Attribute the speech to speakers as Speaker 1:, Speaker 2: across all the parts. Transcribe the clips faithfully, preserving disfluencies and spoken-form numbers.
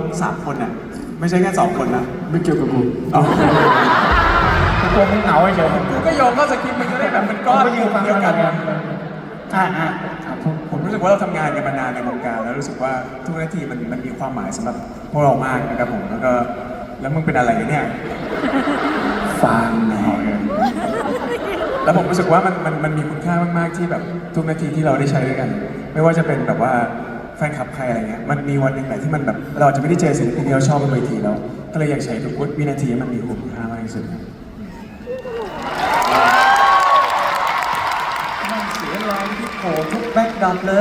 Speaker 1: สามคนน่ะไม่ใช่แค่สองคนนะ
Speaker 2: ไม่เกี่ยวกับกู
Speaker 1: อ๋อ
Speaker 2: กูกลัวมึงเหงาเฉย
Speaker 1: กูก็โยงเข้าสคริปต์มันจะได้แบบเป็นก้อน
Speaker 2: ไปยืนฟัง
Speaker 1: เดียว
Speaker 2: กั
Speaker 1: กัน น
Speaker 2: อ่าอ่าครับผม
Speaker 1: ผมรู้สึกว่าเราทำงานกันมานานในวงการแล้วรู้สึกว่าทุกนาทีมันมันมีความหมายสำหรับพวกเรามากนะครับผมแล้วก็แล้วมึงเป็นอะไรเนี่ย
Speaker 2: ฟังหน่อย
Speaker 1: แล้วผมรู้สึกว่ามันมันมันมีคุณค่ามากๆที่แบบทุกนาทีที่เราได้ใช้ด้วยกัน ไม่ว่าจะเป็นแบบว่าแฟนคลับใครอะไรเงี้ยมันมีวันหนึ่งแหละที่มันแบบเราจะไม่ได้เจอศิลปินที่เราชอบบนเวทีแล้วก็เลยอยากใช้ทุกวินาทีให้มันมีคุณค่ามากที่สุดครับ
Speaker 2: มันเสียแรงที่โผล่ทุกแบ็คดรอปเลย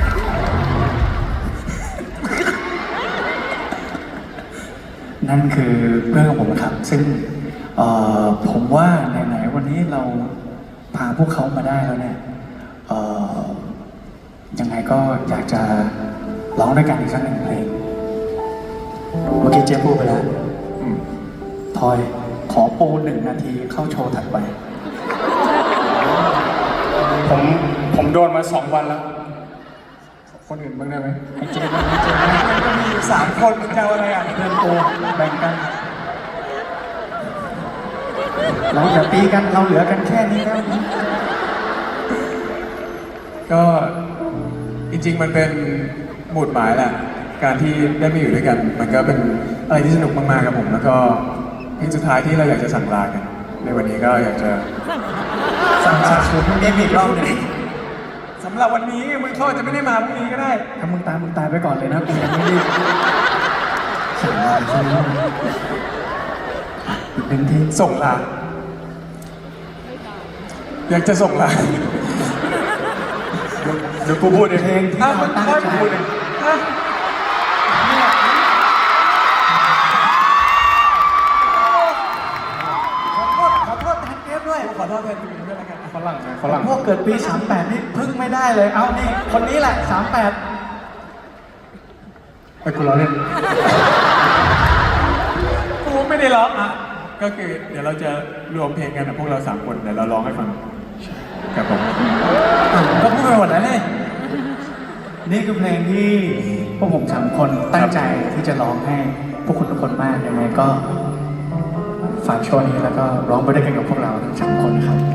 Speaker 2: นั่นคือเรื่องของผมนะครับ ซึ่งเอ่อผมว่าไหนๆวันนี้เราพาพวกเขามาได้แล้วเนี่ยเอ่อยังไงก็อยากจะร้องด้วยกันอีกสักหนึ่งเพลงเมื่อกี้เจ๊พูดไปแล้วอืมทอยขอปูหนึ่งนาทีเข้าโชว์ถัดไป
Speaker 3: ผมผมโดนมาสองวันแล้ว คนอื่นบ้างได้ไหม
Speaker 2: ให้เจ๊บ้างให้เจ๊บ้าง
Speaker 1: มันก็มีอยู่สามคนมันจะเอาอะไรอ่ะ
Speaker 2: เพื่อนโตแบ่งกัน เราอย่าตีกันเราเหลือกันแค่นี้แล้ว
Speaker 1: ก็จริงๆมันเป็นหมุดหมายแหละการที่ได้มาอยู่ด้วยกัน มันก็เป็นอะไรที่สนุกมากๆครับผมแล้วก็เพลงสุดท้ายที่เราอยากจะสั่งลากัน ในวันนี้ก็อยากจะ
Speaker 2: สั่งสาชุดเอ็มอีกรอบหนึ่ง
Speaker 1: สำหรับวันนี้มึงเขาอาจจะไม่ได้มาพรุ่งนี้ก็ได้
Speaker 2: ถ้ามึงตายมึงตายไปก่อนเลยนะกูยังไม่รีบสั่งลาใช่ไหมอีกหนึ่งที
Speaker 1: ส่งลาอยากจะส่งลาเดี๋ยวกูพูดเอง
Speaker 2: เพลงที่
Speaker 1: อ่ะ
Speaker 2: เรา
Speaker 1: มึง
Speaker 2: ตั้ง
Speaker 1: ค่อย
Speaker 2: ใจ
Speaker 1: พูดเองอ่ะ
Speaker 2: ขอโทษขอโทษแทนเทปด้วย
Speaker 1: ขอโทษแทนทีมด้วยแล้วกัน
Speaker 3: ฝรั่งไงฝรั่ง
Speaker 2: พวกเกิดปีสามแปดนี่พึ่งไม่ได้เลย เอานี่คนนี้แหละสามแปด
Speaker 3: ไปกูร้องเล่น
Speaker 1: กูไม่ได้ร้องอ่ะก็คือเดี๋ยวเราจะรวมเพลงกันนะพวกเราสามคนเดี๋ยวเราร้องให้ฟังครับผม
Speaker 2: ก็พูดไปหมดแล้วเลยนี่คือเพลงที่พวกผมสามคนตั้งใจที่จะร้องให้พวกคุณทุกคนมากยังไงก็ฝากโชว์นี้แล้วก็ร้องไปด้วยกันกับพวกเราทั้งสามคนนะครับ